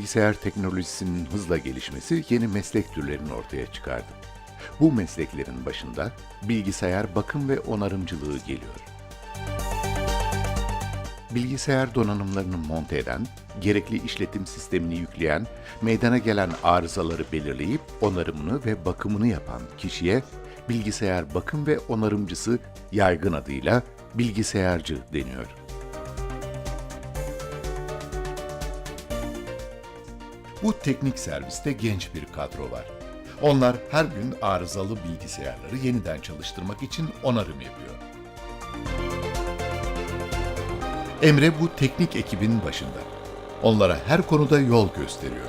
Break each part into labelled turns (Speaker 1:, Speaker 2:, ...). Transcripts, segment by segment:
Speaker 1: bilgisayar teknolojisinin hızla gelişmesi yeni meslek türlerini ortaya çıkardı. Bu mesleklerin başında bilgisayar bakım ve onarımcılığı geliyor. Bilgisayar donanımlarını monte eden, gerekli işletim sistemini yükleyen, meydana gelen arızaları belirleyip onarımını ve bakımını yapan kişiye bilgisayar bakım ve onarımcısı, yaygın adıyla bilgisayarcı deniyor. Bu teknik serviste genç bir kadro var. Onlar her gün arızalı bilgisayarları yeniden çalıştırmak için onarım yapıyor. Emre bu teknik ekibin başında. Onlara her konuda yol gösteriyor.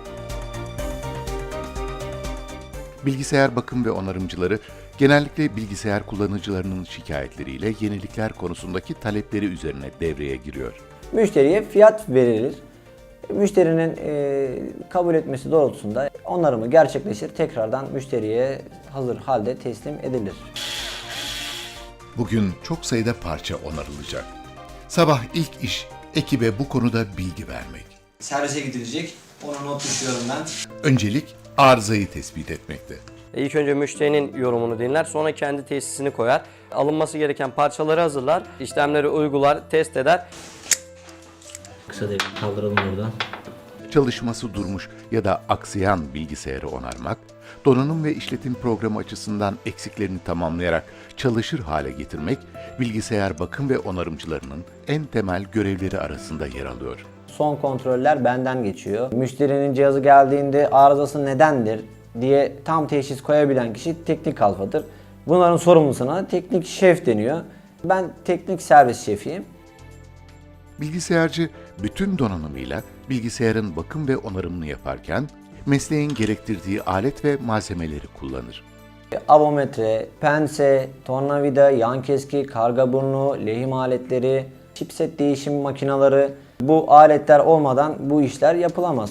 Speaker 1: Bilgisayar bakım ve onarımcıları genellikle bilgisayar kullanıcılarının şikayetleriyle yenilikler konusundaki talepleri üzerine devreye giriyor.
Speaker 2: Müşteriye fiyat verilir. Müşterinin kabul etmesi doğrultusunda onarımı gerçekleşir. Tekrardan müşteriye hazır halde teslim edilir.
Speaker 1: Bugün çok sayıda parça onarılacak. Sabah ilk iş ekibe bu konuda bilgi vermek.
Speaker 2: Servise gidilecek. Ona not düşüyorum ben.
Speaker 1: Öncelik arızayı tespit etmekte.
Speaker 3: İlk önce müşterinin yorumunu dinler, sonra kendi tesisini koyar. Alınması gereken parçaları hazırlar, işlemleri uygular, test eder.
Speaker 2: Kısa devre kaldıralım buradan.
Speaker 1: Çalışması durmuş ya da aksayan bilgisayarı onarmak, donanım ve işletim programı açısından eksiklerini tamamlayarak çalışır hale getirmek, bilgisayar bakım ve onarımcılarının en temel görevleri arasında yer alıyor.
Speaker 2: Son kontroller benden geçiyor. Müşterinin cihazı geldiğinde arızası nedendir diye tam teşhis koyabilen kişi teknik alfadır. Bunların sorumlusuna teknik şef deniyor. Ben teknik servis şefiyim.
Speaker 1: Bilgisayarcı bütün donanımıyla bilgisayarın bakım ve onarımını yaparken mesleğin gerektirdiği alet ve malzemeleri kullanır.
Speaker 2: Avometre, pense, tornavida, yan keski, karga burnu, lehim aletleri, chipset değişim makineleri, bu aletler olmadan bu işler yapılamaz.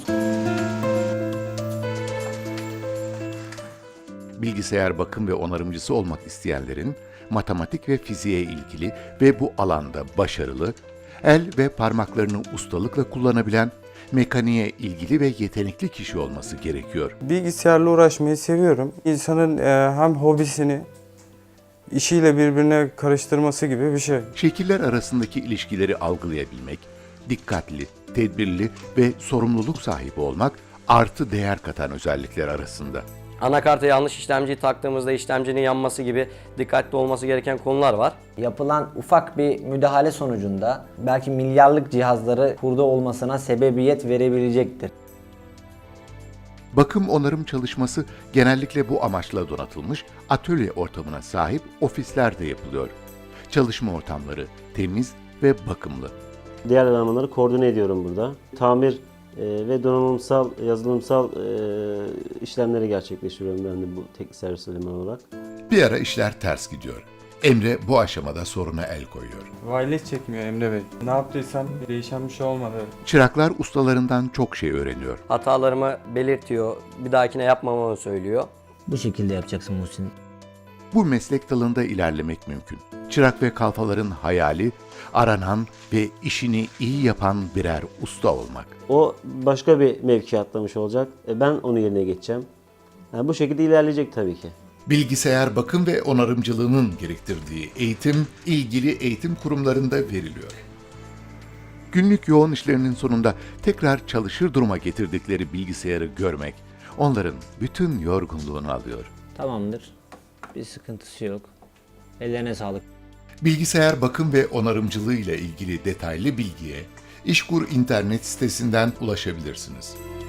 Speaker 1: Bilgisayar bakım ve onarımcısı olmak isteyenlerin matematik ve fiziğe ilgili ve bu alanda başarılı, el ve parmaklarını ustalıkla kullanabilen, mekaniğe ilgili ve yetenekli kişi olması gerekiyor.
Speaker 4: Bilgisayarla uğraşmayı seviyorum. İnsanın hem hobisini işiyle birbirine karıştırması gibi bir şey.
Speaker 1: Şekiller arasındaki ilişkileri algılayabilmek, dikkatli, tedbirli ve sorumluluk sahibi olmak artı değer katan özellikler arasında.
Speaker 3: Anakarta yanlış işlemciyi taktığımızda işlemcinin yanması gibi dikkatli olması gereken konular var.
Speaker 2: Yapılan ufak bir müdahale sonucunda belki milyarlık cihazları hurda olmasına sebebiyet verebilecektir.
Speaker 1: Bakım onarım çalışması genellikle bu amaçla donatılmış atölye ortamına sahip ofislerde yapılıyor. Çalışma ortamları temiz ve bakımlı.
Speaker 5: Diğer elemanları koordine ediyorum burada. Tamir ve donanımsal, yazılımsal işlemleri gerçekleştiriyorum ben de bu teknik servis elemanı olarak.
Speaker 1: Bir ara işler ters gidiyor. Emre bu aşamada soruna el koyuyor.
Speaker 4: Wireless çekmiyor Emre Bey. Ne yaptıysam değişen bir şey olmadı.
Speaker 1: Çıraklar ustalarından çok şey öğreniyor.
Speaker 3: Hatalarımı belirtiyor, bir dahakine yapmamamı söylüyor.
Speaker 2: Bu şekilde yapacaksın Muhsin.
Speaker 1: Bu meslek dalında ilerlemek mümkün. Çırak ve kalfaların hayali, aranan ve işini iyi yapan birer usta olmak.
Speaker 5: O başka bir mevki atlamış olacak. Ben onun yerine geçeceğim. Yani bu şekilde ilerleyecek tabii ki.
Speaker 1: Bilgisayar bakım ve onarımcılığının gerektirdiği eğitim, ilgili eğitim kurumlarında veriliyor. Günlük yoğun işlerinin sonunda tekrar çalışır duruma getirdikleri bilgisayarı görmek, onların bütün yorgunluğunu alıyor.
Speaker 2: Tamamdır. Bir sıkıntısı yok. Ellerine sağlık.
Speaker 1: Bilgisayar bakım ve onarımcılığı ile ilgili detaylı bilgiye İşkur internet sitesinden ulaşabilirsiniz.